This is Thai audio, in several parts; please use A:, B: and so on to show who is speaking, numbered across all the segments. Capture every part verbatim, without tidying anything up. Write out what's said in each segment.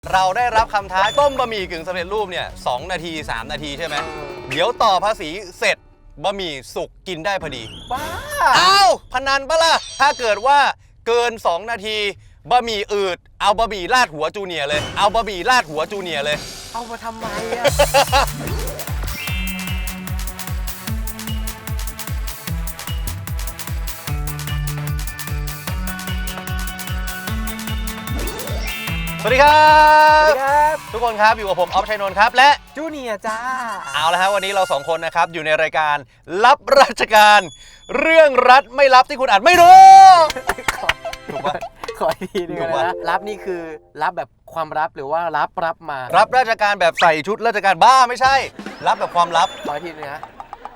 A: เราได้รับคำท้าต้มบะหมี่กึ่งสำเร็จรูปเนี่ยสองนาทีสามนาทีใช่ไหมเดี๋ยวต่อภาษีเสร็จบะหมี่สุกกินได้พอดีบ้าอ้าวพนันปะล่ะถ้าเกิดว่าเกินสองนาทีบะหมี่อืดเอาบะหมี่ลาดหัวจูเนียร์เลยเอาบะหมี่ลาดหัวจูเนียร์เลย
B: เอามาทำไมอะ
A: สวัสดีครับ
B: สวัสดีครับ
A: ทุกคนครับอยู่กับผมออฟชัยนนท์ครับและ
B: จูเนียร์จ้า
A: เอาละครับวันนี้เราสองคนนะครับอยู่ในรายการรับราชการเรื่องรัฐไม่รับที่คุณอาจไม่รู้ถูกปะ
B: ขออีกทีนึงนะรับนี่คือรับแบบความลับหรือว่ารับรับมา
A: รับราชการแบบใส่ชุดราชการบ้าไม่ใช่รับแบบความลับ
B: ขออีกทีนึงนะ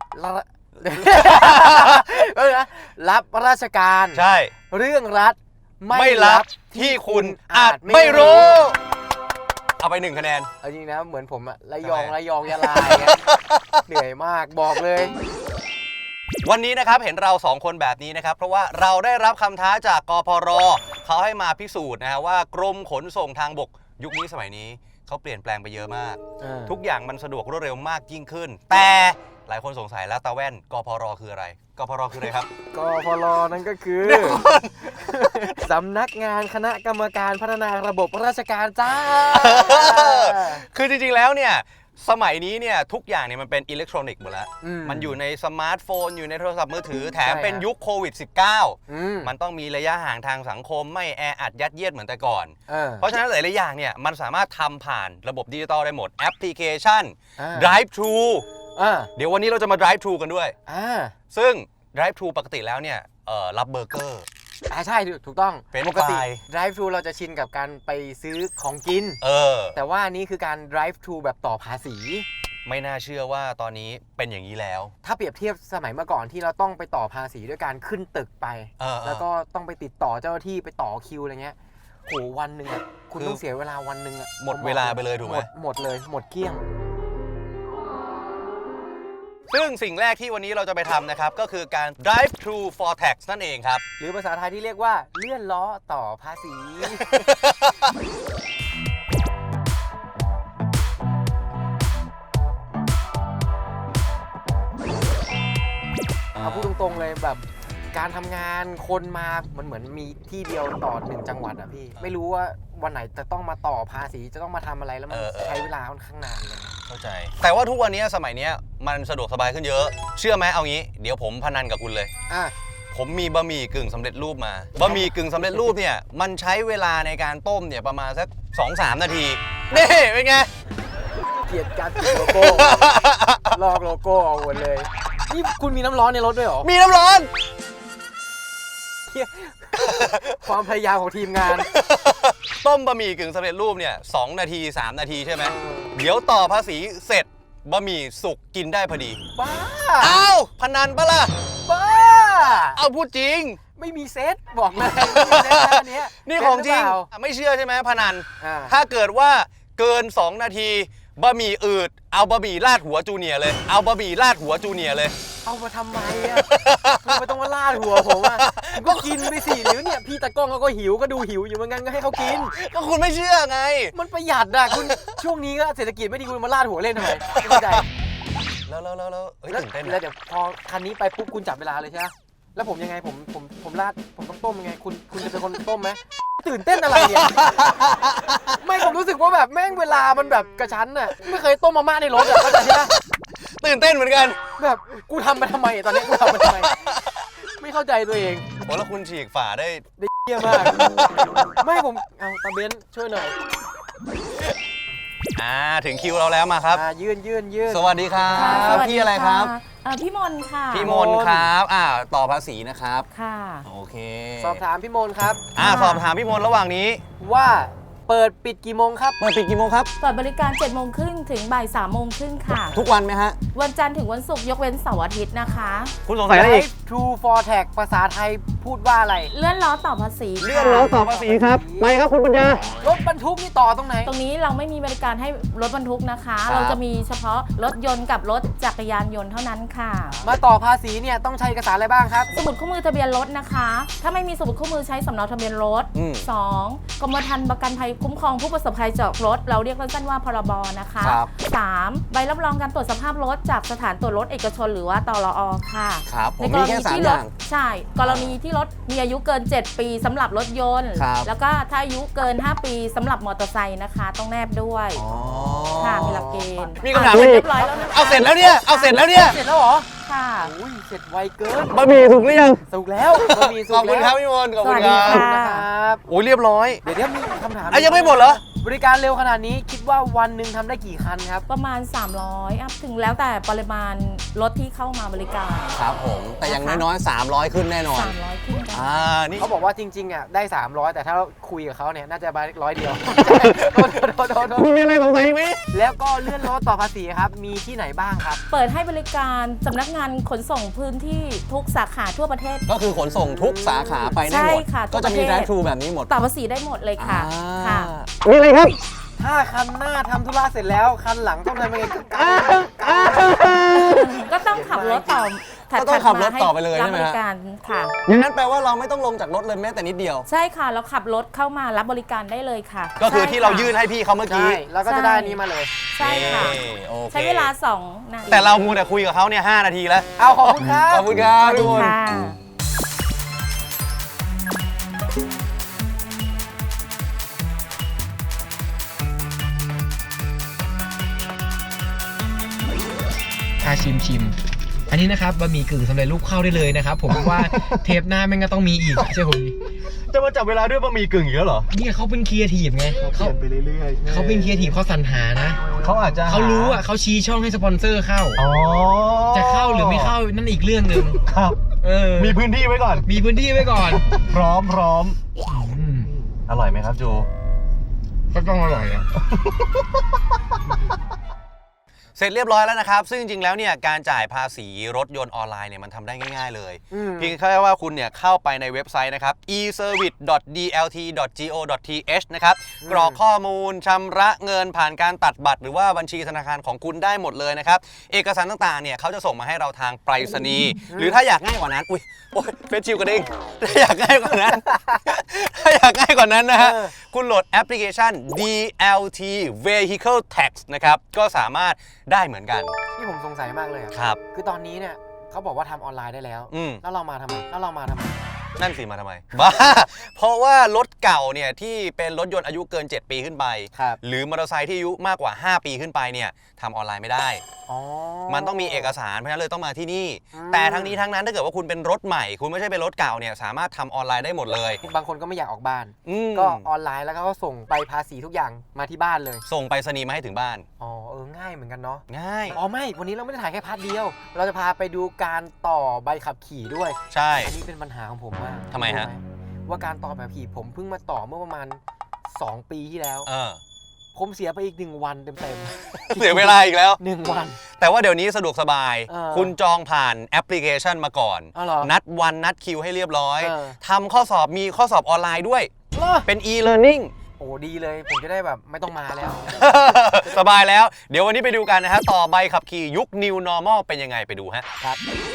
B: เออนะรับราชการ
A: ใช่
B: เรื่องรัฐ
A: ไม่รับที่คุณอาจไม่รู้เอาไปหนึ่งคะแนน
B: เอาจริงนะเหมือนผมอะระยองระยองยะลาเหนื่อยมากบอกเลย
A: วันนี้นะครับเห็นเราสองคนแบบนี้นะครับเพราะว่าเราได้รับคำท้าจากกพร.เขาให้มาพิสูจน์นะฮะว่ากรมขนส่งทางบกยุคนี้สมัยนี้เขาเปลี่ยนแปลงไปเยอะมากทุกอย่างมันสะดวกรวดเร็วมากยิ่งขึ้นแต่หลายคนสงสัยแล้วตาแว่นกพร.คืออะไรกพร.คืออะไรครับ
B: กพร.นั่นก็คือสำนักงานคณะกรรมการพัฒนาระบบราชการจ้า
A: คือจริงๆแล้วเนี่ยสมัยนี้เนี่ยทุกอย่างเนี่ยมันเป็นอิเล็กทรอนิกส์หมดแล้วมันอยู่ในสมาร์ทโฟนอยู่ในโทรศัพท์มือถือแถมเป็นยุคโควิด สิบเก้า มันต้องมีระยะห่างทางสังคมไม่แออัดยัดเยียดเหมือนแต่ก่อนเพราะฉะนั้นหลายๆอย่างเนี่ยมันสามารถทำผ่านระบบดิจิตอลได้หมดแอปพลิเคชัน Drive Thru เดี๋ยววันนี้เราจะมา Drive Thru กันด้วยซึ่ง Drive Thru ปกติแล้วเนี่ยรับเบอร์เกอร์
B: อ่าใช่ถูกต้องปกติ drive thru เราจะชินกับการไปซื้อของกินเออแต่ว่านี้คือการ drive thru แบบต่อภาษี
A: ไม่น่าเชื่อว่าตอนนี้เป็นอย่างนี้แล้ว
B: ถ้าเปรียบเทียบสมัยเมื่อก่อนที่เราต้องไปต่อภาษีด้วยการขึ้นตึกไปแล้วก็ต้องไปติดต่อเจ้าหน้าที่ไปต่อคิวอะไรเงี้ยโหวันหนึ่งอ่ะคุณต้องเสียเวลาวันหนึ่งอ่ะ
A: หมดเวลาไปเลยถูกไหม
B: หมดเลยหมดเกลี้ยง
A: ซึ่งสิ่งแรกที่วันนี้เราจะไปทำนะครับก็คือการ drive thru for tax นั่นเองครับ
B: หรือภาษาไทยที่เรียกว่าเลื่อนล้อต่อภาษีเอาพูดตรงๆเลยแบบการทำงานคนมามันเหมือนมีที่เดียวต่อหนึ่งจังหวัดอะพี่ไม่รู้ว่าวันไหนจะต้องมาต่อภาษีจะต้องมาทำอะไรแล้วมันใช้เวลาค่อนข้างนานเลย
A: เข้าใจแต่ว่าทุกวันนี้สมัยนี้มันสะดวกสบายขึ้นเยอะเชื่อไหมเอางี้เดี๋ยวผมพนันกับคุณเลยอ่ะผมมีบะหมี่กึ่งสำเร็จรูปมาบะหมี่กึ่งสำเร็จรูปเนี่ยมันใช้เวลาในการต้มเนี่ยประมาณสัก สองถึงสาม นาทีนี่เป็นไง
B: เกลียดการติดโลโก้ลอกโลโก้เอาหมดเลยนี่คุณมีน้ำร้อนในรถด้วยเหรอ
A: มีน้ำร้อน
B: ความพยายามของทีมงาน
A: ต้มบะหมี่กึ่งสำเร็จรูปเนี่ยสองนาทีสามนาทีใช่ไหมเดี๋ยวต่อภาษีเสร็จบะหมี่สุกกินได้พอดี
B: บ้า
A: อ้าวพนันปะล่ะ
B: บ้า
A: เอาพูดจริง
B: ไม่มีเซตบอกเลย
A: นี่นี่ของจริงไม่เชื่อใช่ไหมพนันถ้าเกิดว่าเกินสองนาทีบะหมี่อืดเอาบะหมี่ลาดหัวจูเนียร์เลยเอาบะหมี่ลาดหัวจูเนียร์เลย
B: เอามาทำไมอ่ะไม่ต้องมาลาดหัวผมอ่ะก็กินไปสิหรือเนี่ยพี่ตะก้องเขาก็หิวก็ดูหิวอยู่เหมือนกันก็ให้เขากิน
A: ก็คุณไม่เชื่อไง
B: มันประหยัดอ่ะคุณช่วงนี้ก็เศรษฐกิจไม่ดีคุณมาลาดหัวเล่นทำไมไม่เข้าใจ
A: แล้วแล้วแล้วแล้วตื่นเต้น
B: แล้วเดี๋ยวพอคันนี้ไปปุ๊บคุณจับเวลาเลยใช่ไหมแล้วผมยังไงผมผมผมลาดผมต้องต้มยังไงคุณคุณจะเป็นคนต้มไหมตื่นเต้นอะไรเนี่ยไม่ผมรู้สึกว่าแบบแม่งเวลามันแบบกระชั้นน่ะไม่เคยต้มมาม่าในรถอ่ะเข้าใจใช่ไหม
A: ตื่นเต้นเหมือนกัน
B: แบบกูทำมาทำไมตอนนี้กูทำมาทำไมไม่เข้าใจตัวเอง
A: โอ้แล้วคุณฉีกฝาได้
B: ได้เยี่ยมมากไม่ผมเอาตาเบนช่วยหน่อย
A: อ่าถึงคิวเราแล้วมาครับ
B: อ่ายื่นยื่นยื่น
A: สวัสดีครับพี่อะไรครับ
C: พี่มนค่ะ
A: พี่มนครับอ่าต่อภาษีนะครับ
C: ค่ะ
A: โอเค
B: สอบถามพี่มนครับ
A: อ่าสอบถามพี่มนระหว่างนี้
B: ว่าเปิดปิดกี่โมงครับ
A: เปิดปิดกี่โมงครับ
C: เปิดบริการเจ็ดโมงครึ่งถึงบ่ายสามโมงครึ่งค่ะ
A: ทุกวันไหมฮะ
C: วันจันทร์ถึงวันศุกร์ยกเว้นเสาร์อาทิตย์นะคะ
A: คุณสงสัยอะไรอีก
B: True for Tag ภาษาไทยพูดว่าอะไร
C: เลื่อนล้อต่อภาษี
A: เลื่อนล้อต่อภาษีครับไปครับคุณปัญญาร
B: ถบรรทุกนี่ต่อตรงไหน
C: ตรงนี้เราไม่มีบริการให้รถบรรทุกนะคะ
A: ครับ
C: เราจะมีเฉพาะรถยนต์กับรถจักรยานยนต์เท่านั้นค่ะ
B: มาต่อภาษีเนี่ยต้องใช้เอกสารอะไรบ้างครับ
C: สมุดคู่มือทะเบียนรถนะคะ ถ้าไม่มีสมุดคู่มือใช้สำเนาทะเบียนรถ
A: อืม
C: สองกรมธรรม์ประกันภัยคุ้มครองผู้ประสบภัยจากรถ เราเรียกสั้นๆว่าพรบนะคะ
B: ครับ
C: สามใบรับรองการตรวจสภาพรถจากสถานตรวจรถเอกชนหรือว่าตรอค่ะ
A: ครับผม
C: ในก
A: มี
C: ร
A: แค่
C: ณี
A: สาม
C: ที่
A: อ
C: รถ
A: ย่าง
C: ใช่ กรณีที่รถมีอายุเกิน เจ็ด ปีสำหรับรถยนต์
A: ครับ
C: แล้วก็ถ้าอายุเกิน ห้า ปีสำหรับมอเตอร์ไซค์นะคะ ต้องแนบด้วย
A: อ๋อ
C: ค่ะ มีหลักเกณฑ์
A: มีคำถาม
C: อ่ะ
A: อี
C: เรี
A: ก
C: ยบร้อยแล้วนะคะ
A: เอาเสร็จแล้วเนี่ย เอาเสร็จแล้วเนี่ย
B: เสร็จแล้วเหรอ
C: ค่ะ
B: อุ้ยเสร็จไวเกิน
A: บะหมี่สุกหรือยัง
B: สุกแล้วบะหมี่สุ
A: ข
B: ก
A: อบคุณครับ
B: แล้ว
A: พี่มนต์ขอบคุณ
C: สวัส
A: ค
C: ดี
A: รับ
B: ขอบคุณ
C: ค่ะ
B: นะครับ
A: โอ้ยเรียบร้อย
B: เดี๋ยวเดี๋ยวมีคำถาม
A: อ่ะยังไม่หมดเหรอ
B: บริการเร็วขนาดนี้คิดว่าวันหนึ่งทำได้กี่คันครับ
C: ประมาณ สามร้อยอัพถึงแล้วแต่ปริมาณรถที่เข้ามาบริการ
A: ครับผม แต่อย่างน้อยๆสามร้อยขึ้นแน่นอน
C: สามร้อยขึ้นกัน
A: อ่า นี่
B: เขาบอกว่าจริงๆอ่ะได้ สามร้อย แต่ถ้าคุยกับเขาเนี่ยน่าจะมาร้อยเดียว โทษโทษโทษโทษ
A: คุณมีอะไรสงสัยไหม
B: แล้วก็เลื่อนรถต่อภาษีครับ มีที่ไหนบ้างครับ
C: เปิดให้บริการสำนักงานขนส่งพื้นที่ทุกสาขาทั่วประเทศ
A: ก็คือขนส่งทุกสาขาไปได้หมด
C: ใช่ค่ะ
A: ก็จะมี
C: ทั่วประเทศ
A: drive thru แบบนี้หมด
C: ต่อภาษีได้หมดเลยค่ะ
A: อ่า
C: ค่ะ
A: มีอะไรครับ
B: ถ้าคันหน้าทำธุระเสร็จแล้ว คันหลังต้องทำยังไงก็กัน
C: ก็ต้องขับรถต่อถัด
A: ก็ต้องขับรถต่อไปเลย
C: รั
A: ใช่ไหม
C: บ
A: ฮะ
C: ริการค่ะ
A: อย่างนั้นแปลว่าเราไม่ต้องลงจากรถเลยแม้แต่นิดเดียว
C: ใช่ค่ะเราขับรถเข้ามารับบริการได้เลยค่ะ
A: ก็คือที่เรา
C: ใช่ค่ะ
A: ยื่นให้พี่เขาเมื่อ
B: ใช่
A: กี้
B: แล้วก็จะได้อันนี้มาเลย
C: ใช่ค่ะ
A: นี่โอค
C: ใช้เวลาสองนาที
A: แต่เรามูแต่คุยกับเขาเนี่ยห้านาทีแล้ว
B: เอาขอบคุณครับ
A: ขอบคุณครับ
C: สวัส
A: ทุ
C: ดี
A: กคน
C: ค่ะ
D: พาชิมชิม อันนี้นะครับบะหมี่กึ่งสำเร็จรูปเข้าได้เลยนะครับ ผมว่า เทปหน้าแม่งก็ต้องมีอีกใช่ผมดิ
A: จะมาจับเวลาด้วยบะหมี่กึ่งอีกแล้วเหรอ
D: เนี่ยเขาเป็นครีเอทีฟไงเขาไปเรื่อยๆเขาเป็นครีเอทีฟเขาสรรหานะ
A: เขาอาจจะ
D: เขารู้อ่ะเขาชี้ช่องให้สปอนเซอร์เข้า
A: อ๋อ
D: จะเข้าหรือไม่เข้านั่นอีกเรื่องหนึ่ง
A: ครับ
D: เออ
A: มีพื้นที่ไว้ก่อน
D: มีพื้นที่ไว้ก่อน
A: พร้อมพร้อม
D: อืม
A: อร่อยไหมครับจู
D: ก็ต้องอร่อยอ่ะ
A: เสร็จเรียบร้อยแล้วนะครับ ซึ่งจริงๆ แล้วเนี่ยการจ่ายภาษีรถยนต์ออนไลน์เนี่ยมันทำได้ง่ายๆ เลย
B: อืม
A: เพียงแค่ว่าคุณเนี่ยเข้าไปในเว็บไซต์นะครับ e service dot d l t dot go dot t h นะครับ กรอกข้อมูลชำระเงินผ่านการตัดบัตรหรือว่าบัญชีธนาคารของคุณได้หมดเลยนะครับ เอกสารต่างๆ เนี่ยเขาจะส่งมาให้เราทางไปรษณีย์หรือถ้าอยากง่ายกว่านั้น อุ้ยโอ้ยเฟซชิลกระดิ่งถ้าอยากง่ายกว่านั้น ถ้าอยากง่ายกว่านั้นนะฮะ
B: เออ
A: คุณโหลดแอปพลิเคชัน ดี แอล ที Vehicle Tax นะครับก็สามารถได้เหมือนกัน
B: ที่ผมสงสัยมากเลยอะ
A: ครับ
B: คือตอนนี้เนี่ยเขาบอกว่าทำออนไลน์ได้แล้ว
A: อืม
B: แล้วเรามาทำไม แล้วเรามาทำไม
A: นั่นสิมาทำไม บ้า เพราะว่ารถเก่าเนี่ยที่เป็นรถยนต์อายุเกิน เจ็ด ปีขึ้นไป
B: ครับ
A: หรือมอเตอร์ไซค์ที่อายุมากกว่า ห้า ปีขึ้นไปเนี่ยทำออนไลน์ไม่ได้
B: อ๋อ
A: มันต้องมีเอกสารเพราะฉะนั้นเลยต้องมาที่นี่
B: อืม
A: แต่ทั้งนี้ทั้งนั้นถ้าเกิดว่าคุณเป็นรถใหม่ คุณไม่ใช่เป็นรถเก่าเนี่ยสามารถทำออนไลน์ได้หมดเลย
B: บางคนก็ไม่อยากออกบ้าน
A: อืม
B: ก็ออนไลน์แล้วก็ส่งไปภาษีทุกอย่างมาที่บ้านเลย
A: ส่งไปรษณีย์มาให้ถึงบ้าน
B: อ๋อ เออ ง่ายเหมือนกันเนาะ
A: ง่าย
B: อ๋อ ไม่ วันนี้เราไม่ได้ถ่ายแค่พาร์ทเดียว เราจะพาไปดูการต่อใบขับขี่ด้วย
A: ใช่
B: อันนี้เป็นปัญหาของผมมาก
A: ทำไมฮะ
B: รู้หว่าการต่อแบบขี่ผมเพิ่งมาต่อเมื่อประมาณ สอง ปีที่แล้ว
A: เออ
B: ผมเสียไปอีกหนึ่งวันเต็มๆ
A: เสียเวลาอีกแล้ว
B: หนึ่งวัน
A: แต่ว่าเดี๋ยวนี้สะดวกสบาย
B: เออ
A: คุณจองผ่านแอปพลิเคชันมาก่อน
B: อ๋อเหรอ
A: นัดวันนัดคิวให้เรียบร้อย
B: เออ
A: ทำข้อสอบมีข้อสอบออนไลน์ด้วย
B: เหรอ
A: เป็น e-learning
B: โอ้ดีเลย ผมจะได้แบบไม่ต้องมาแล้ว
A: สบายแล้ว เดี๋ยววันนี้ไปดูกันนะฮะ ต่อใบขับขี่ยุค New Normal เป็นยังไงไปดูฮะ
B: ครับ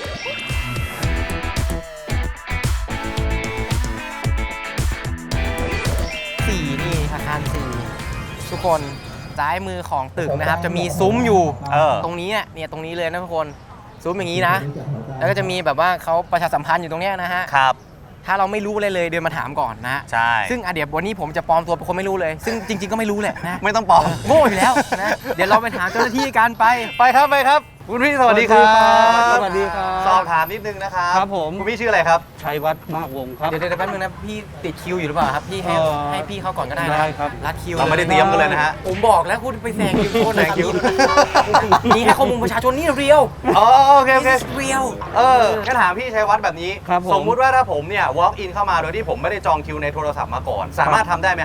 B: สี่นี่อาคารสี่ทุกคนซ้ายมือของตึกนะครับ จะมีซุ้มอยู่
A: เออ
B: ตรงนี้เนี่ยเนี่ยตรงนี้เลยนะทุกคนซุ้มอย่างนี้นะ แล้วก็จะมีแบบว่าเขาประชาสัมพันธ์อยู่ตรงเนี้ยนะฮะ
A: ครับ
B: ถ้าเราไม่รู้อะไรเลยเดินมาถามก่อนนะ
A: ใช่
B: ซึ่งอ่ะเดี๋ยววันนี้ผมจะปลอมตัวเป็นคนไม่รู้เลย ซึ่งจริง ๆก็ไม่รู้แหละนะ
A: ไม่ต้องปลอม
B: โง่อยู่แล้วนะ เดี๋ยวเราไปถามเจ้าหน้าที่กันไป
A: ไปครับไปครับ คุณพี่สวัสดีครับ
B: สวัสดีครับ
A: สอบถามนิดนึงนะครับ
E: ครับผม
A: คุณพี่ชื่ออะไรครับ
E: ชัยวัฒน์มากวงศ์ครับ
B: เดี๋ยวเดี๋ยวแป๊บนึงนะพี่ติดคิวอยู่หรือเปล่าครับพี่ให้
E: เอ่อ
B: ให้พี่เข้าก่อนก็ได้นะ
E: ได้ครับ
B: รัดคิว
A: เราไม่ได้เตรียมกันเลยนะฮะ
B: ผมบอกแล้วคุณไปแซงคิวโทษนะ
A: แซงคิว
B: นี่ให้ข้อมูลประชาชนนี่เรียว
A: อ๋อโอเคโอเค
B: เรียว
A: เอองั้นถามพี่ชัยวัฒน์แบบนี้
E: ครับผม
A: สมมุติว่าถ้าผมเนี่ย walk in เข้ามาโดยที่ผมไม่ได้จองคิวในโทรศัพท์มาก่อน สามารถทำได้ไหมฮะ
E: ท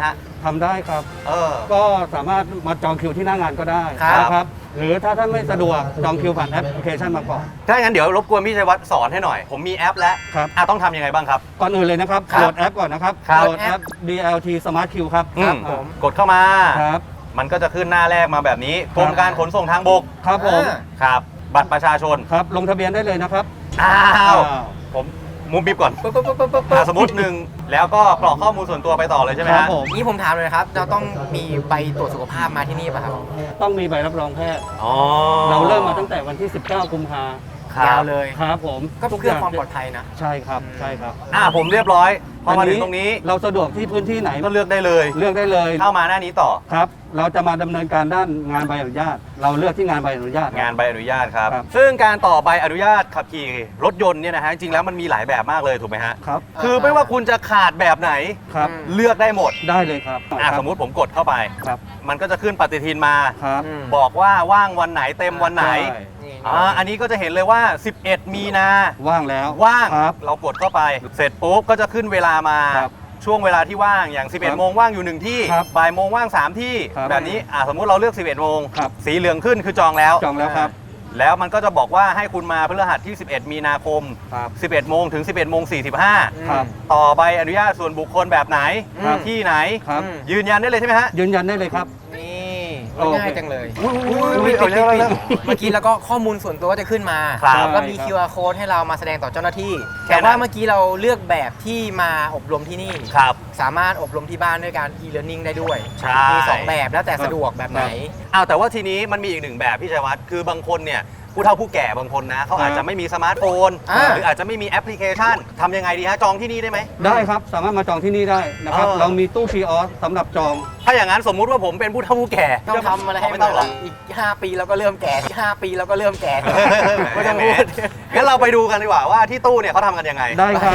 E: ทำได้ครับ
A: เออ
E: ก็สามารถมาจองคิวที่หน้างานก็ได้
B: ครับ
E: นะครับ หรือถ้าท่านไม่สะดวกจองคิวผ่านแอปพลิเคชันมาก่อน
A: ถ้าอย่างนั้นเดี๋ยวรบกวนพี่ชัยวัฒน์สอนให้หน่อย ผมมีแอปแล้ว
E: ครับ
A: อ่ะต้องทำยังไงบ้างครับ
E: ก่อนอื่นเลยนะครับ
A: ครับ
E: โหลดแอปก่อนนะครับ
A: ครับ
E: โหลดแอป ดี แอล ที Smart Queue ครับ
A: อืม
E: ครับ
A: กดเข้ามา
E: ครับ
A: มันก็จะขึ้นหน้าแรกมาแบบนี้กรมการขนส่งทางบก
E: ครับผม
B: อ่า
A: ครับ บัตรประชาชน
E: ครับ ลงทะเบียนได้เลยนะครับ
A: อ้าว
E: อ้าว
A: ผมมุมบิบก่อน
B: ปึ๊บปึ๊บปึ๊บปึ๊บปึ๊บ
A: อ่ะสมมติหนึ่งแล้วก็กรอกข้อมูลส่วนตัวไปต่อเลยใช่ไหม
E: ครั
A: ฮะ
E: บผม
B: นี่ผมถามเลยนะครับ เราต้องมีใบตรวจสุขภาพมาที่นี่ป่ะครับ
E: ต้องมีใบรับรองแพทย์
A: อ๋อ
E: เราเริ่มมาตั้งแต่วันที่ สิบเก้า กุมภา
A: ครับ
B: ยาวเลย
E: ครับผม
B: ก็เพื่อความปลอดภัยนะ
E: ใช่ครับ ใช่ครับ
A: อ่ะผมเรียบร้อย พอมาถึงตรงนี้
E: เราสะดวกที่พื้นที่ไหน
A: ก็เลือกได้เลย
E: เลือกได้เลย
A: เข้ามาหน้านี้ต่อ
E: ครับ เราจะมาดำเนินการด้านงานใบอนุญาต เราเลือกที่งานใบอนุญาต
A: งานใบอนุญาตครับ
E: ครับ
A: ซึ่งการต่อใบอนุญาตขับขี่รถยนต์เนี่ยนะฮะจริงๆแล้วมันมีหลายแบบมากเลยถูกไหมฮะ
E: ครับ
A: คือไม่ว่าคุณจะขาดแบบไหน
E: ครับ
A: เลือกได้หมด
E: ได้เลยครับ
A: อ่ะสมมุติผมกดเข้าไป
E: ครับ
A: มันก็จะขึ้นปฏิทินมา
E: ครับ
B: อืม
A: บอกว่าว่างวันไหนเต็มวันไหน
E: ใช่
B: นี่
A: อ่าอันนี้ก็จะเห็นเลยว่า สิบเอ็ด มีนา
E: ว่างแล้ว
A: ว่าง
E: ครับ
A: เรากดเข้าไป เสร็จปุ๊บก็จะขึ้นเวลามา
E: ครับ
A: ช่วงเวลาที่ว่างอย่าง สิบเอ็ด โมงว่างอยู่หนึ่งที่
E: ครับ
A: บ่ายโมงว่างสามที่
E: ครับ
A: แบบนี้อ่ะสมมุติเราเลือก สิบเอ็ด โมง
E: ครับ
A: สีเหลืองขึ้นคือจองแล้ว
E: จองแล้วครับ
A: แล้วมันก็จะบอกว่าให้คุณมาพฤหัสที่ สิบเอ็ด มีนาคม
E: ครับ
A: สิบเอ็ด โมงถึง สิบเอ็ด โมง สี่สิบห้า
E: ครับ
A: ต่อใบอนุญาตส่วนบุคคลแบบไหน
E: ครับ
A: ที่ไหน
E: ครับ
B: อืม
A: ยืนยันได้เลยใช่ไหมฮะ
E: ยืนยันได้เลยครับ
B: นี่
E: โอเค
B: ง่ายจังเลย
A: อุ๊ยอุ๊ย
B: ปิด
A: เอา
B: ปิด
A: เร็ว
B: ปิด
A: เร็ว
B: เมื่อกี้แล้วก็ข้อมูลส่วนตัวก็จะขึ้นมา
A: ครับ
B: แล้วมี
E: ใช่ครับ
B: คิว อาร์ code ให้เรามาแสดงต่อเจ้าหน้าที่
A: แค่
B: แต่
A: นั้น
B: ว่าเมื่อกี้เราเลือกแบบที่มาอบรมที่นี่
A: ครับ
B: สามารถอบรมที่บ้านด้วยการ e-learning ได้ด้วย
A: ใช่
B: มีสองแบบแล้วแต่สะดวกแบบไหน
A: อ้าวแต่ว่าทีนี้มันมีอีกหนึ่งแบบพี่ชัยวัฒน์คือบางคนเนี่ยผู้เฒ่าผู้แก่บางคนนะเขาอาจจะไม่มีสมาร์ทโฟน
B: อ่า
A: หรืออาจจะไม่มีแอปพลิเคชันทำยังไงดีฮะจองที่นี่ได้ไหม
E: ได้ครับ สามารถมาจองที่นี่ได้นะครับ
A: เออ
E: เรามีตู้คีออสสำหรับจอง
A: ถ้าอย่างนั้นสมมุติว่าผมเป็นผู้เฒ่าผู้แก่
B: ต้องทำอะไรให้
A: ไม่
B: มั
A: ต้อน งหรอก
B: อีก ห้า ปีแล้วก็เริ่มแก่อีกห้าปีแล้วก็เริ่มแก่ ไม่ต้องพูด
A: งั้นเราไปดูกันดีกว่าว่าที่ตู้เนี่ยเขาทำกันยังไง
E: ได้ครับ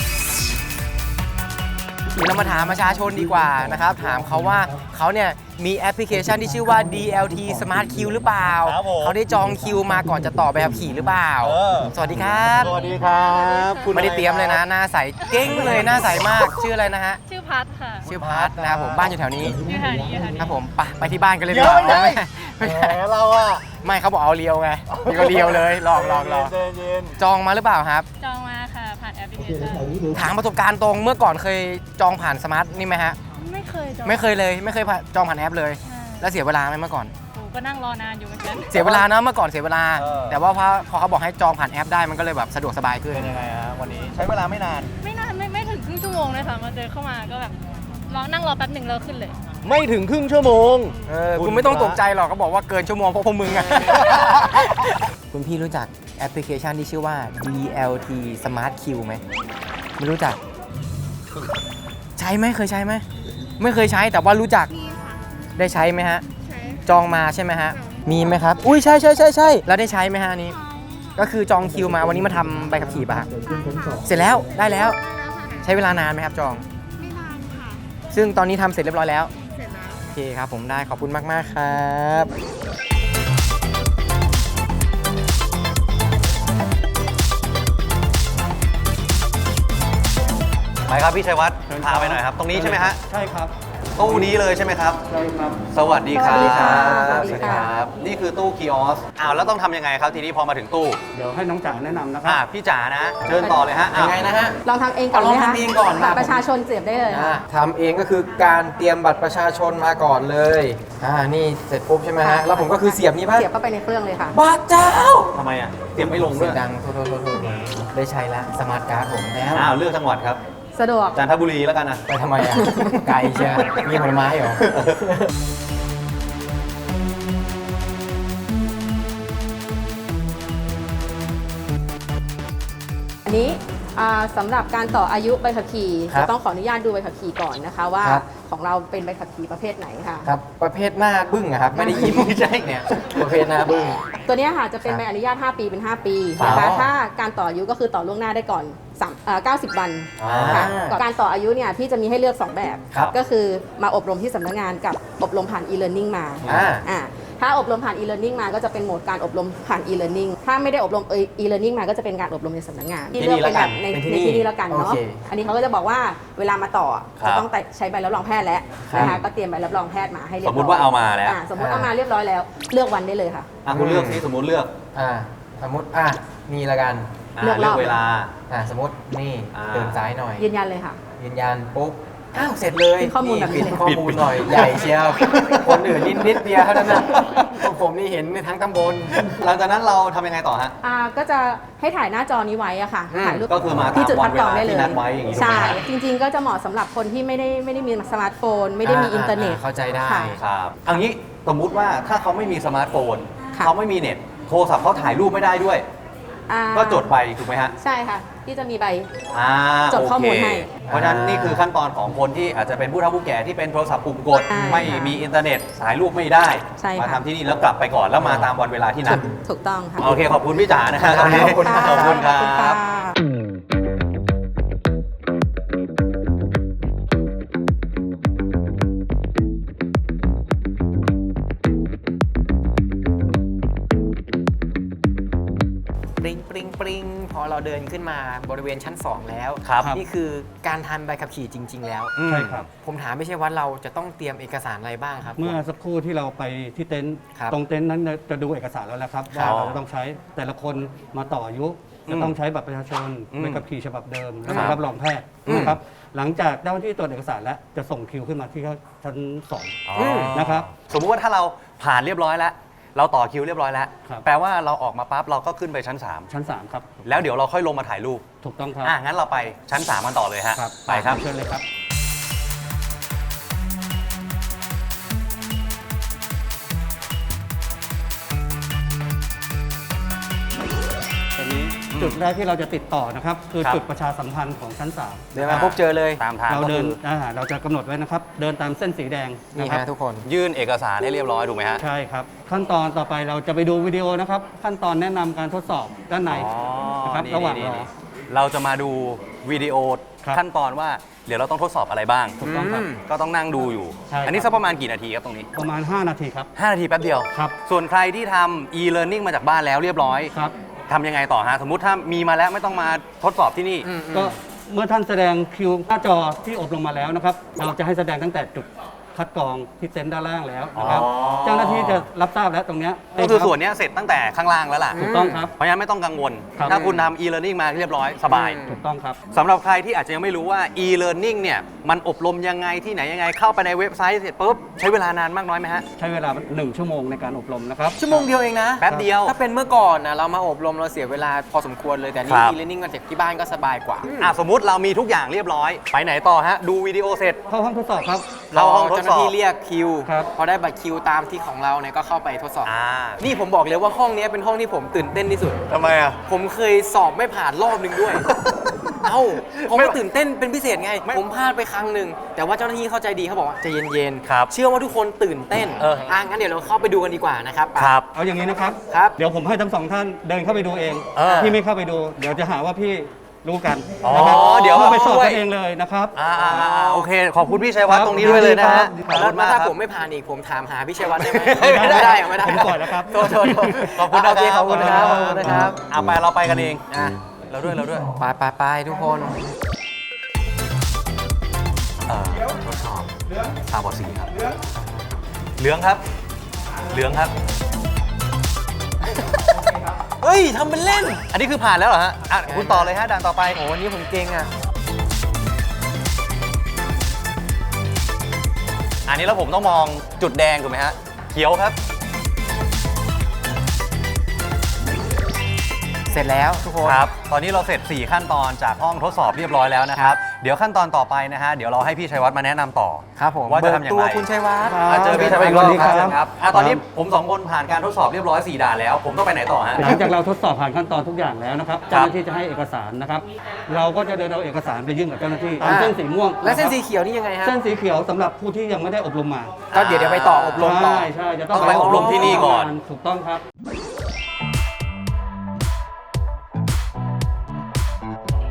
B: เดี๋ยวเรามาถามประชาชนดีกว่านะครับ ถามเขาว่าเขาเนี่ยมีแอปพลิเคชันที่ชื่อว่า ดี แอล ที Smart Queue หรือเปล่า
A: ครับผม
B: เขาได้จองคิวมาก่อนจะต่อใบขับขี่หรือเปล่า
A: เออ
B: สวัสดีครับ
A: สวัสดีครับคุณ
B: ไม่ได้เตรียมเลยนะ หน้าใสเก้งเลยหน้าใสมาก ชื่ออะไรนะฮะ
F: ชื่อพัทค่ะ
B: ชื่อพัทนะครับผมบ้านอยู่แถวนี้
F: อยู่แถวนี้อยู่แถวนี้
B: ครับผมไปไปที่บ้านกันเลยดีกว่า
A: เดี๋ยว
B: ไม่
A: ไม่
B: ไม่
A: แหมเราอะ
B: ไม่เขาบอกเอาเลียวไงนี่ก็เลียวเลยลองลองลอง
A: เย็น
B: จองมาหรือเปล่าครับ
F: จองมาค่ะ ผ่านแอปพลิเคชัน
B: ถามประสบการณ์ตรงเมื่อก่อนเคยจองผ่านสมาร์ทนี่ไหมฮะ
F: ไม่เคยจอง
B: ไม่เคยเลยไม่เคยผ่านจองผ่านแอปเลย
F: ใช่
B: แล้วเสียเวลาไหมเมื่อก่อน
F: โอ้ก็นั่งรอนานอยู่เหมือนกัน
B: เสียเวลานะเมื่อก่อนเสียเวลา
A: เออ
B: แต่ว่าพอพอเขาบอกให้จองผ่านแอปได้มันก็เลยแบบสะดวกสบายขึ้น
A: เป็นยังไงฮะวันนี้ใช้เวลาไม่นาน
F: ไม่นานไม่ไม่ถึงครึ่งชั่วโมงเลยค่ะมาเจอเข้ามาก็แบบรอนั่งรอแป๊บหนึ่งแล้วขึ้นเลย
A: ไม่ถึงครึ่งชั่วโมง
B: เออคุณไม่ต้องตกใจหรอกเขาบอกว่าเกินชั่วโมงเพราะพวกมึงอะ คุณพี่รู้จักแอปพลิเคชันที่ชื่อว่า ดี แอล ที Smart Queue ไหมไม่รู้จัก ใช้ไหมเคยใช้ไหมไม่เคยใช้แต่ว่ารู้จักได้ใช้ไหมฮะจองมาใช่ไหมฮะมีไหมครับอุ้ยใช่ใช่ใช่ใช่แล้วได้ใช้ไหมฮะอันนี้ ก็คือจองคิวมาวันนี้มาทำใบขับขี่ป่ะฮะเสร็จแล้วได้แล้ว ใช้เวลานานไหมครับจอง
G: ไม่นานค่ะ
B: ซึ่งตอนนี้ทำเสร็จเรียบร้อยแล้ว
G: เสร็จแล้ว
B: โอเคครับผมได้ขอบคุณมาก ๆ ครับ
A: ไปครับพี่ชัยวัฒน์พาไปหน่อยครับ ตรงนี้ใช่ไหมฮะ
E: ใช่ครับ
A: ตู้นี้เลยใช่ไหมครับ
E: ใช่ครับ
A: สวัสดีครับ
C: สวัสดีครับ
A: สวัสดีครับ นี่คือตู้คีออสอ้าวแล้วต้องทำยังไงครับทีนี้พอมาถึงตู้
E: เดี๋ยวให้น้องจ๋าแนะนำนะครั
A: อ่า
E: บ
A: พี่จ๋านะ เชิญต่อเลยฮะ
B: ยั
A: อ้าว
B: งไงนะฮะ
C: ลองทำเองก่อน
B: เอาลอง
C: ไหมคะ
B: ทำเองก่อน
C: บัตรประชาชนเสียบได้เลย
B: อ่าทำเองก็คือการเตรียมบัตรประชาชนมาก่อนเลยอ่านี่เสร็จปุ๊บใช่ไหมฮะแล้วผมก็คือเสียบนี่ป่ะ
C: เสียบเข้าไปในเครื่องเลยค่ะ
B: บ้าเจ้า
A: ทำไมอ่ะ เตรียมไม่ลง
B: เสี
A: ด้วย ย
B: งดังโทษโทษโทษโทษได้ใช้แล้วสมาร์ทการ์ดผมแล้ว
A: อ้าวเลือกจังหวัดครับ
C: สะดวก
A: จันทบุรีแล้วกันนะ
B: ไปทำไมอ่ะ ไกลเชียวมีผลไม้เหรอ
C: อันนี้อ่าสำหรับการต่ออายุใบขับขี่
B: ครับ
C: จะต้องขออนุญาตดูใบขับขี่ก่อนนะคะ ว่า
B: ครับ
C: ของเราเป็นใบขับขี่ประเภทไหนค่ะ
B: ครับประเภทหน้าบึ้งอะครับไม่ได้ยิ้มไม่ใช่เนี่ยประเภทหน้าบึ้ง
C: ตัวเนี้ยค่ะจะเป็น
B: ครับ
C: ใบอนุญาต ห้า ปีเป็น ห้า ปี
B: อ๋อ
C: นะคะถ้าการต่ออายุก็คือต่อล่วงหน้าได้ก่อนสามเอ่อเก้าสิบ วัน
B: อ่า
C: ค่ะก่อนการต่ออายุเนี่ยพี่จะมีให้เลือก สอง แบบ
B: ครับ
C: ก็คือมาอบรมที่สำนักงานกับอบรมผ่าน e-learning มา
B: อ่า
C: อ่าถ้าอบรมผ่าน e-learning มาก็จะเป็นโหมดการอบรมผ่าน e-learning ถ้าไม่ได้อบรม e-learning มาก็จะเป็นการอบรมในสำนักงานที่เลือกเป็นแบบในในที่นี่แล้วกันเนาะอันนี้เขาก็จะบอกว่าเวลามาต่อจะต้องใช้ใบรับรองแพทย์แล้วนะคะก็เตรียมใบรับรองแพทย์มาให้เรียบ
A: ส
C: ร้อย
A: มมติว่าเอามาแล้ว
C: อ่าสมมติเอามาเรียบร้อยแล้วเลือกวันได้เลยค่ะ
A: อ่ะคุณเลือกสิสมมติเลือก
B: อ่าสมมติอ่ะนี่ละกัน
A: อ่ะ
C: เลือกรอบ
A: เลือกเวลา
B: อ่าสมมตินี่
A: อ่า
B: เดินซ้ายหน่อย
C: ยืนยันเลยค่ะ
B: ยืนยันปุ๊บอ้าวเสร็จเลย
C: ปิดข้อมูลแบบนี้
B: ปิดข้อมูลหน่อยใหญ่เชียวคนอื่นนิดนิดเดียวเท่านั้นนะของผมนี่เห็นในทั้งตำบล
A: หลังจากนั้นเราทำยังไงต่อฮะ
C: อ่าก็จะให้ถ่ายหน้าจอนี้ไว้อะค่ะ
B: อืม
C: ถ่ายรูป
A: ก็คือมา
C: ที่จุด
A: ตาม
C: คัดกรอง
A: วัน
C: ได้
A: เวลา
C: เลย
A: ที่นัดไว้อย่างนี้ถูกไหม
C: ใช่
A: ฮะ
C: จริง ๆ ก็จะเหมาะสำหรับคนที่ไม่ได้ไม่ได้มีสมาร์ทโฟน ไม่ได้มีอินเทอร์เน็ต
B: เข้าใจได้
C: ค่ะ
A: ครับเอันนี้สมมุติว่าถ้าเขาไม่มีสมาร์ทโฟน
C: ค่ะ
A: เขาไม่มีเน็ตโทรศัพท์เขาถ่ายรูปไม่ได้ด้วย
C: อ่า
A: ก็จดไปถูกไหมฮะ
C: ใช่ค่ะ ที่จะมีใบ
A: อ่า
C: จดข้อมูล
A: โเค
C: ให้
A: เพราะฉะนั้นนี่คือขั้นตอนของคนที่อาจจะเป็นผู้เฒ่าผู้แก่ที่เป็นโทรศัพท์ปุ่มกด
C: ใช่
A: ไม่
C: ค่ะ
A: มีอินเทอร์เน็ตถ่ายรูปไม่ได้
C: ใช่ค่ะ
A: มาทำที่นี่แล้วกลับไปก่อนแล้วมาตามวันเวลาที่นัด
C: ถูกต้องค่ะ
A: โอเคขอบคุณพี่จ๋านะครับ
B: ขอบคุณ
A: ขอบคุณครั
C: ขอบคุณค่ะ
A: บ
B: ปริงปริงปริงพอเราเดินขึ้นมาบริเวณชั้น สอง แล้ว
A: ครับ
B: นี่คือการทำใบขับขี่จริง ๆ แล้ว
A: อืม
E: ใช่ครับ
B: ผมถามไม่ใช่ว่าเราจะต้องเตรียมเอกสารอะไรบ้างครับ
E: เมื่อสักครู่ที่เราไปที่เต็นท์
B: ครับ
E: ตรงเต็นท์นั้นจะดูเอกสารแล้วนะครับ
A: ครั
E: ว่า
A: บ
E: เราต้องใช้แต่ละคนมาต่ออายุ
A: อืม
E: จะต้องใช้บัตรประชาชน
A: อืม
E: ใบขับขี่ฉบับเดิมและ
A: ครับ
E: รับรองแพทย์
A: อืม
E: นะครับหลังจากเจ้าหน้าที่ตรวจเอกสารแล้วจะส่งคิวขึ้นมาที่ชั้นสอง
A: อ๋อ
E: นะครับ
A: สมมุติว่าถ้าเราผ่านเรียบร้อยแล้ว เราต่อคิวเรียบร้อยแล้ว
E: ครับ
A: แปลว่าเราออกมาปั๊บเราก็ขึ้นไปชั้น
E: ชั้นสามครับ
A: สาม แล้วเดี๋ยวเราค่อยลงมาถ่ายรูป
E: ถูกต้องครับ
A: อ่ะงั้นเราไปชั้นสามกันต่อเลยฮะ
E: ครับ
A: ไปครับ
E: เชิญเลยครับ ตอนนี้จุดแรกที่เราจะติดต่อนะครับ คือ
A: ครับ
E: จุดประชาสัมพันธ์ของชั้นสาม
B: เดินมาปุ๊บเจอเลย
A: ตามทาง
E: เรา
A: ก็
E: เดิน
A: คือ
E: อ่าเราจะกำหนดไว้นะครับ เดินตามเส้นสีแดง
B: นี่
E: นะครับ
B: ฮะทุกคน
A: ยื่นเอกสารให้เรียบร้อยถูกไหมฮะ
E: ใช่ครับ ขั้นตอนต่อไปเราจะไปดูวิดีโอนะครับ ขั้นตอนแนะนำการทดสอบด้านใน
A: อ๋อ
E: นะครับ
A: นี่
E: ระหว่าง
A: นี่
E: รอ
A: นี่เราจะมาดูวิดีโอ
E: ครับ
A: ขั้นตอนว่าเดี๋ยวเราต้องทดสอบอะไรบ้าง
E: ถูกต้องครับ
B: อืม
A: ก็ต้องนั่งดูอยู่
E: ใช่ครับ
A: อันนี้สักประมาณกี่นาทีครับตรงนี้
E: ประมาณ ห้า นาทีครับ
A: ห้า นาทีแป๊บเดียว
E: ครับ
A: ส่วนใครที่ทำ e-learning มาจากบ้านแล้วเรียบร้อย
E: ครับ
A: ทำยังไงต่อฮะ สมมุติถ้ามีมาแล้วไม่ต้องมาทดสอบที่นี่
B: อืม
E: ก็เมื่อท่านแสดงคิวหน้าจอที่อบรมมาแล้วนะครับ เราจะให้แสดงตั้งแต่จุดคัดกรองที่เต็นท์ด้านล่างแล้วนะครับ
A: อ๋อ
E: เจ้าหน้าที่จะรับทราบแล้วตรงเนี้ย
A: ก็คือส่วนเนี้ยเสร็จตั้งแต่ข้างล่างแล้วล่ะ
E: ถูกต้องครับ
A: เพราะฉะนั้นไม่ต้องกังวล
E: ครับ
A: ถ้าคุณทำ e-learning มาเรียบร้อยสบาย
B: อืม
E: ถูกต้องครับ
A: สำหรับใครที่อาจจะยังไม่รู้ว่า e-learning เนี่ยมันอบรมยังไงที่ไหนยังไงเข้าไปในเว็บไซต์เสร็จปุ๊บใช้เวลานานมากน้อยไหมฮะ
E: ใช้เวลาหนึ่งชั่วโมงในการอบรมนะครับ
B: ชั่วโมงเดียวเองนะ
A: แป๊บเดียว
B: ถ้าเป็นเมื่อก่อนนะเรามาอบรมเราเสียเวลาพอสมควรเลยแต่นี่
A: ครับ
B: e-learning มาจากที่บ้านก็สบายกว่า
A: อ่ะสมมุติเรามีทุกอย่างเรียบร้อย ไปไหนต่อฮะ ดูวิดีโอเสร็จ
E: เข้าห้องทดสอบครับ
A: เข้าห้องทดสอบ
B: เจ้าหน้าที่เรียกคิว
E: ครับ
B: พอได้บัตรคิวตามที่ของเราเนี่ยก็เข้าไปทดสอบ
A: อ่า
B: นี่ผมบอกเลยว่าห้องเนี้ยเป็นห้องที่ผมตื่นเต้นที่สุด
A: ทำไมอ่ะ
B: ผมเคยสอบไม่ผ่านรอบหนึ่งด้วย เอ้าผม
A: ไม่
B: ก็ตื่นเต้นเป็นพิเศษไง
A: ไม่
B: ผมพลาดไปครั้งหนึ่ง แต่ว่าเจ้าหน้าที่เข้าใจดีเขาบอกว่าใจเย็น
A: ครับ
B: เชื่อว่าทุกคนตื่นเต้น
A: เอออ่
B: ะงั้นเดี๋ยวเราเข้าไปดูกันดีกว่านะครับ
A: ครับ
E: เอาอย่างนี้นะครับ
B: ครับ
E: เดี๋ยวผมให้ทั้งสองท่านเดินเข้าไปดูเอง
A: เออ
E: พี่ไม่เข้าไปดู เดี๋ยวจะหาว่าพี่รู้กัน
A: อ๋อ
E: นะครับ
A: เดี๋ยว
E: ข้าไปสอบ
A: ด้วย
E: กันเองเลยนะครับ
A: อ่าอ่าอ่าโอเค ขอบคุณพี่ชัยวัฒน์
E: ครับ
A: ตรงนี้ด้วยเลยนะฮะ
E: ครับ
A: ขอบ
B: แล้ว
A: คุณมาก
B: ถ้า
A: ครับ
B: ผมไม่ผ่านอีกผมถามหาพี่ชัยวัฒน์ได้ไหม
A: ไม่ได้
B: ไม่ได้ไม่ได้
E: ผมปล่อยแล้วครับ
B: โทษโทษโทษ
A: ขอบคุณนะ
B: โอเคขอบคุณนะครับขอบคุณนะครับ
A: เอาไปเราไปกันเอง
B: อ่ะ
A: เราด้วยเราด้วย
B: ไปไปไปทุกคน
A: เอ่อทดสอบตาบอดสีครับ เหลืองครับ เหลืองครับ
B: เฮ้ยทำเป็นเล่น
A: อันนี้คือผ่านแล้วเหรอฮะ อ่ะ คุณต่อเลยฮะด่านต่อไป
B: โอ้วันนี้ผมเก่งอ่ะ
A: อันนี้แล้วผมต้องมองจุดแดงถูกไหมฮะ เขียวครับ
B: เสร็จแล้วทุกคน
A: ครับ ตอนนี้เราเสร็จ สี่ ขั้นตอนจากห้องทดสอบเรียบร้อยแล้วนะครับ เดี๋ยวขั้นตอนต่อไปนะฮะ เดี๋ยวเราให้พี่ชัยวัฒน์มาแนะนำต่อ
B: ครับผม
A: ว่าจะทำอย่างไร
B: เบิกตัวคุณชัยวัฒน์
A: อ่ะเจอพี่ชัยวัฒน์อีกรอบ
E: สวัสดีครับ
A: เชิญครับอ่ะตอนนี้ผมสองคนผ่านการทดสอบเรียบร้อย สี่ ด่านแล้ว ผมต้องไปไหนต่อฮะ
E: หลังจากเราทดสอบผ่านขั้นตอนทุกอย่างแล้วนะครับ เจ้าหน้าที่จะให้เอกสารนะครับ เราก็จะเดินเอาเอกสารไปยื่นกับเจ้าหน้าที่ตาม
B: อ่า
E: เส้นสีม่วง
B: และเส้นสี
E: ะครับ
B: เขียวนี่ยังไงฮะ
E: เส้นสีเขียวสำหรับผู้ที่ยังไม่ได้อบรมมา
B: ก็เดี๋ยวเดี๋ยวไปต่ออบรมต่อ
E: ใช่ใช่จะต้
A: ต้องไปอบรมที่นี่ก่อน
E: ถูกต้องครับ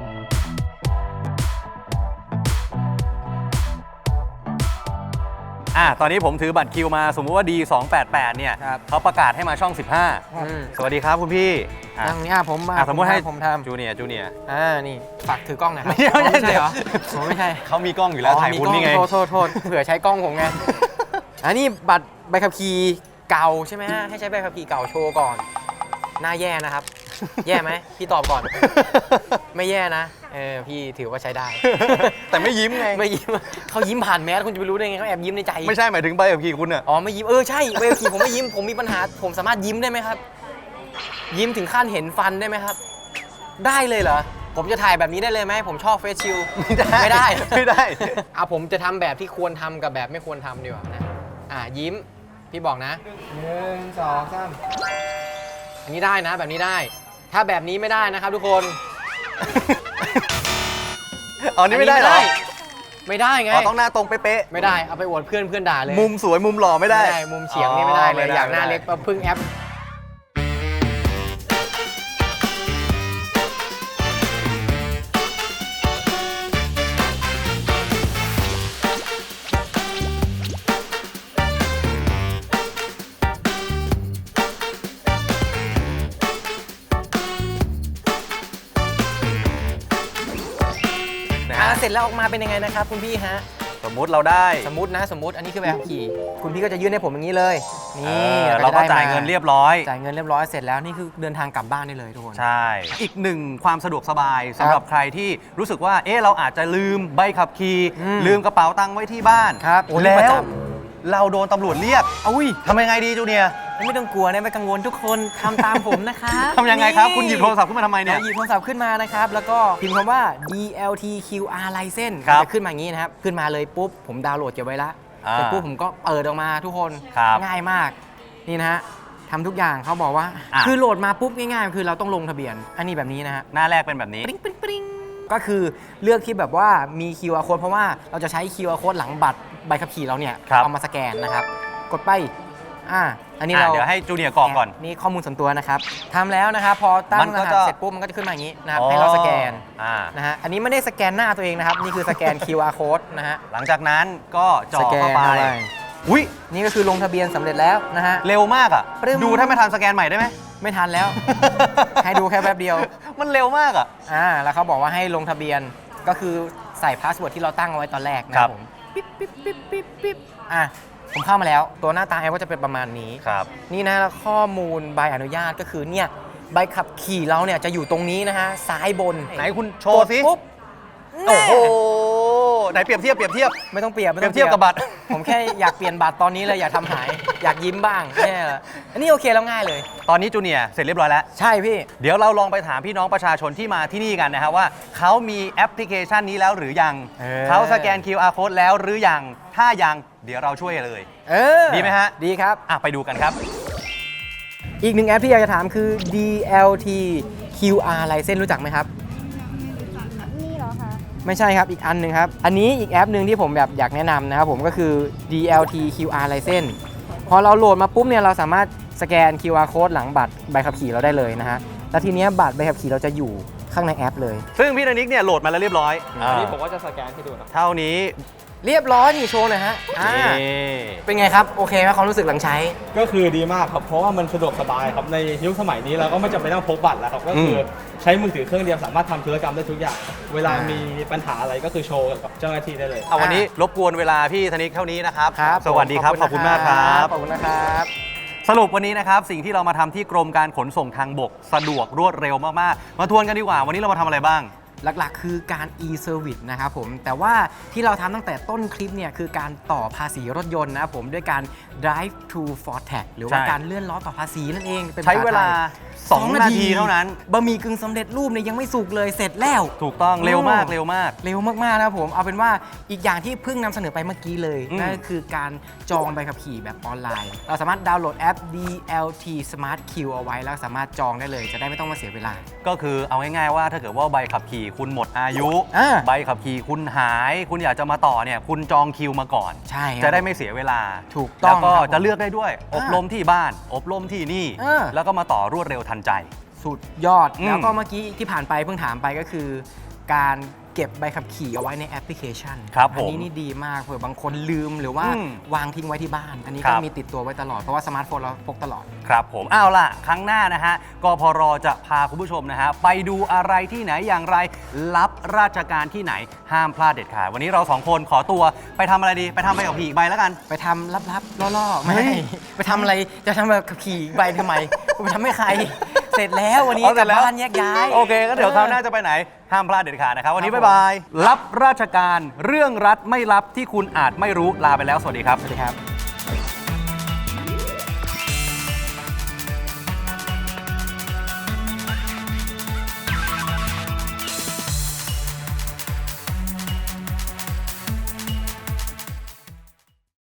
A: ออ่ะตอนนี้ผมถือบัตรคิวมาสมมุติว่า ดี สองแปดแปด เนี่ย
B: ครับ
A: เขาประกาศให้มาช่อง สิบห้า
B: อืม
A: สวัสดีครับคุณพี่อ่ะ
B: นั่งนี่อ่ะผมมา
A: อ่ะสมมุติให้
B: ผมทำ
A: จูเนียร์จูเนียร์
B: อ่านี่ฝากถือกล้องหน่อยครับ
A: ไม่ใช่ไม่ใช่
B: ไม่ใช่เหรอผมไม่ใช่
A: เขามีกล้องอยู่แล้วถ่าย
B: มี
A: คุณ
B: กล้อง
A: นี่ไง
B: โทษโทษโทษเผื่อใช้กล้องผมไง อันนี้บัตรใบขับขี่เก่าใช่ไหมฮะให้ใช้ใบขับขี่เก่าโชว์ก่อนหน้าแย่นะครับ แย่ไหมพี่ตอบก่อน ไม่แย่นะเออพี่ถือว่าใช้ได้
A: แต่ไม่ยิ้มไง
B: ไม่ยิ้มเขายิ้มผ่านแมสคุณจะไปรู้ได้ไงเขาแอบยิ้มในใจ
A: ไม่ใช่หมายถึงใบขับขี่คุณอะ
B: อ๋อไม่ยิ้มเออใช่ใบขับขี่ผมไม่ยิ้มผมมีปัญหาผมสามารถยิ้มได้ไหมครับ ยิ้มถึงขั้นเห็นฟันได้ไหมครับ ได้เลยเหรอผมจะถ่ายแบบนี้ได้เลยไหมผมชอบเฟซชิล
A: ไม่ได้
B: ไม่ได้
A: ไม่ได้
B: อ่ะผมจะทำแบบที่ควรทำกับแบบไม่ควรทำดีกว่านะอ่ะยิ้มพี่บอกนะหนึ่งสองสามอันนี้ได้นะแบบนี้ได้ ถ้าแบบนี้ไม่ได้นะครับทุกคน
A: อ๋อนี่ไม่ได้เหรอ
B: ไม่ได้ไง
A: อ๋อต้องหน้าตรงเป๊ะ
B: ไม่ได้เอาไปอวดเพื่อนเพื่อนด่าเลย
A: ๆมุมสวยมุมหล่อไม่ได้
B: มุมเฉียงนี่ไม่ได้เลย
A: อ๋อไม่ได้
B: อยากหน้า
A: ไม่ได้
B: เล็กมาพึ่งแอปอ่ะเสร็จแล้วออกมาเป็นยังไงนะครับคุณพี่ฮะ
A: สมมุติเราได้
B: สมมตินะสมมติอันนี้คือใบขับขี่คุณพี่ก็จะยื่นให้ผมอย่างนี้เลย
A: เอ
B: นี่
A: อ
B: แล้ว
A: เราก็
B: จะได้
A: จ่าย
B: ม
A: เงินเรียบร้อย
B: จ่ายเงินเรียบร้อยเสร็จแล้วนี่คือเดินทางกลับบ้านได้เลยทุกคน
A: ใช่ อีกหนึ่งความสะดวกสบายสำหรับใครที่รู้สึกว่า เอ๊ะเราอาจจะลืมใบขับขี่
B: อืม
A: ลืมกระเป๋าตังค์ไว้ที่บ้าน
B: ครับโอ้นี่
A: แล้
B: ประจ
A: วเราโดนตำรวจเรียก
B: อุ้ย
A: ทำยังไงดีจูเนียร์
B: ไม่ต้องกลัวนะไม่กังวลทุกคนทำตามผมนะคะ
A: ทำยังไงครับ คุณหยิบโทรศัพท์ขึ้นมาทำไมเนี่ย
B: หยิบโทรศัพท์ขึ้นมานะครับ แล้วก็พิมพ์คำว่า ดี แอล ที คิว อาร์ license
A: ครับ
B: จะขึ้นมาอย่างนี้นะครับ ขึ้นมาเลยปุ๊บ ผมดาวน์โหลดเก็บไว้ละ
A: อ่า
B: เสร็จปุ๊บผมก็เปิดออกมาทุกคน
A: ครับ
B: ง่ายมาก นี่นะฮะทำทุกอย่างเขาบอกว่า
A: อ่ะ
B: คือโหลดมาปุ๊บง่ายๆ คือเราต้องลงทะเบียน อันนี้แบบนี้นะฮะ
A: หน้าแรกเป็นแบบนี้
B: ปริ้งปริ้งปริ้งก็คือเลือกที่แบบว่ามี คิว อาร์ code เพราะว่าเราจะใช้ คิว อาร์ code หลังบัตรใบขับขี่เราเนี่ย
A: ครับ
B: เอามาสแกนนะครับ กดไปอ่าอันนี้
A: อ่ะ
B: เรา
A: เดี๋ยวให้จูเนียร์กรอกก่อน
B: นี่ข้อมูลส่วนตัวนะครับทำแล้วนะครับ พอตั้
A: มั
B: ง
A: น
B: ร
A: ก็
B: หัส
A: จะ
B: เสร็จปุ๊บมันก็จะขึ้นมาอย่างนี้นะครับให้เราสแกน
A: อ่า
B: นะฮะอันนี้ไม่ได้สแกนหน้าตัวเองนะครับ นี่คือสแกน คิว อาร์ code นะฮะ
A: หลังจากนั้นก็จ่อ
B: สแกน
A: เข้าไป
B: เข้าไป
A: อุ้ย
B: นี่ก็คือลงทะเบียนสำเร็จแล้วนะฮะ
A: เร็วมากอ่ะ
B: ปรึ้ม
A: ดูถ้าไม่ทันสแกนใหม่ได้ไหม
B: ไม่ทันแล้ว ให้ดูแค่แป๊บเดียว
A: มันเร็วมากอ่ะ
B: อ่าแล้วเขาบอกว่าให้ลงทะเบียนก็คือใส่พาสเวิร์ดที่เราตั้งเอาไว้ตอนแรกนะค
A: ครั
B: รับบ ผมปิ๊บปิ๊บปิ๊บปิ๊บปิ๊บอ่ะผมเข้ามาแล้วตัวหน้าตาแอปก็จะเป็นประมาณนี้
A: ครับ
B: นี่นะแล้วข้อมูลใบอนุญาตก็คือเนี่ยใบขับขี่เราเนี่ยจะอยู่ตรงนี้นะฮะซ้ายบน
A: ไหนคุณโชว์สิ
B: กดปุ๊บ
A: โอ้โห
B: แน่
A: ไหนเปรียบเทียบเปรียบเทียบ
B: ไม่ต้องเปรียบไม่
A: เปรี
B: ต้
A: ย
B: อบ ง
A: เทียบกับบัตร
B: ผมแค่อยากเปลี่ยนบัตรตอนนี้เลยอยากทำหาย อยากยิ้มบ้างแน่ละอันนี้โอเคแล้วง่ายเลย
A: ตอนนี้จูเนียร์เสร็จเรียบร้อยแล้ว
B: ใช่พี่
A: เดี๋ยวเราลองไปถามพี่น้องประชาชนที่มาที่นี่กันนะครับว่าเขามีแอปพลิเคชันนี้แล้วหรือยัง
B: เออ
A: เขาสแกน คิว อาร์ code แล้วหรือยัง ถ้ายังเดี๋ยวเราช่วยเลย
B: เออ
A: ดีไหมฮะ
B: ดีครับ
A: อ่ะไปดูกันครับ
B: อีกหนึ่งแอปที่อยากจะถามคือ ดี แอล ที คิว อาร์ license รู้จักไหมครับ
F: นี่เหรอคะ
B: ไม่ใช่ครับอีกอันหนึ่งครับ อันนี้อีกแอปหนึ่งที่ผมแบบอยากแนะนำนะครับผมก็คือ ดี แอล ที คิว อาร์ license พอเราโหลดมาปุ๊บเนี่ยเราสามารถสแกน คิว อาร์ code หลังบัตรใบขับขี่เราได้เลยนะฮะแล้วทีเนี้ยบัตรใบขับขี่เราจะอยู่ข้างในแอปเลย
A: ซึ่งพี่ธนิกเนี่ยโหลดมาแล้วเรียบร้อย
B: อันนี้
A: อ่า
B: ผมก็จะสแกนให้ดูนะ
A: เท่านี้
B: เรียบร้อยนี่โชว์หน่อยฮะอ่า
A: นี่
B: เป็นไงครับ โอเคไหมความรู้สึกหลังใช้
G: ก็คือดีมากครับ เพราะว่ามันสะดวกสบายครับ ในยุคสมัยนี้เราก็ไม่จำเป็นต้องพกบัตรแล้วครับ ก็คือใช้มือถือเครื่องเดียวสามารถทำธุรกรรมได้ทุกอย่าง เวลามีปัญหาอะไรก็คือโชว์กับเจ้าหน้าที่ได้เลย
A: เอาวันนี้รบกวนเวลาพี่ธนิกเท่านี้นะครับ
B: ครับ
A: สวัสดีครับ ขอบคุณมากครับ
B: ขอบคุณนะครับ
A: สรุปวันนี้นะครับสิ่งที่เรามาทำที่กรมการขนส่งทางบกสะดวกรวดเร็วมากๆ มาทวนกันดีกว่า วันนี้เรามาทำอะไรบ้าง
B: หลักๆ คือการ e-service นะครับผม แต่ว่าที่เราทำตั้งแต่ต้นคลิปเนี่ยคือการต่อภาษีรถยนต์นะครับผมด้วยการ drive to for tax หรือว่า
A: ใช่
B: การเลื่อนล้อต่อภาษีนั่นเองเป็น
A: ใช้เวลา
B: ภษไทย
A: สองนาทีเท่านั้น
B: บะหมี่กึ่งสำเร็จรูปเนี่ยยังไม่สุกเลยเสร็จแล้ว
A: ถูกต้องเร็วมาก
B: โอ้
A: เร็วมาก
B: เร็วมากๆนะครับผม เอาเป็นว่าอีกอย่างที่เพิ่งนำเสนอไปเมื่อกี้เลย
A: อืม
B: นั่นก็คือการจองใบขับขี่แบบออนไลน์ เราสามารถดาวน์โหลดแอป ดี แอล ที Smart Queue เอาไว้แล้วสามารถจองได้เลย จะได้ไม่ต้องมาเสียเวลา
A: ก็คือเอาง่ายๆว่าถ้าเกิดว่าใบขับขี่คุณหมดอายุ
B: อ่า
A: ใบขับขี่คุณหาย คุณอยากจะมาต่อเนี่ยคุณจองคิวมาก่อน
B: ใช่ครับ
A: จะได้ไม่เสียเวลา
B: ถูกต้อง
A: แล้วก็
B: ครับผม
A: จะเลือกได้ด้วย อบรมที่บ้าน อบรมที่นี่
B: อ่า
A: แล้วก็มาต่อรวดเร็วทันใจ
B: สุดยอด
A: อืม
B: แล้วก็เมื่อกี้ที่ผ่านไปเพิ่งถามไปก็คือ การเก็บใบขับขี่เอาไว้ในแอปพลิเคชัน
A: ครับผม
B: อันี้นี่ดีมากเผื่อบางคนลืมหรือว่า
A: อืม
B: วางทิ้งไว้ที่บ้าน อันนี้
A: ครั
B: ก็
A: บ
B: มีติดตัวไว้ตลอด เพราะว่าสมาร์ทโฟนเราพกตลอด
A: ครับผมเอาล่ะ ครั้งหน้านะฮะกพรจะพาคุณผู้ชมนะฮะไปดูอะไรที่ไหนอย่างไรรับราชการที่ไหนห้ามพลาดเด็ดขาดวันนี้เราสองคนขอตัวไปทำอะไรดีไปทำใบขับขี่อีกใบแล้วกัน
B: ไปทำลับๆล่อๆไม่
A: เฮ้ย
B: ไปทำอะไรจะทำแบบขับขี่ใบทำไมไปทำให้ใคร เสร็จแล้ววันนี้
A: เอา
B: ก
A: เสร็
B: ลับ
A: จแล้ว
B: บ้านแยกย้าย
A: โอเคก็เดี๋ยวคราวหน้าจะไปไหน ห้ามพลาดเด็ดขาดนะครับ วันนี้บ๊ายบาย รับราชการเรื่องรัฐไม่รับที่คุณอาจไม่รู้ลาไปแล้ว สวัสดีครับ
B: สวัสดีครับ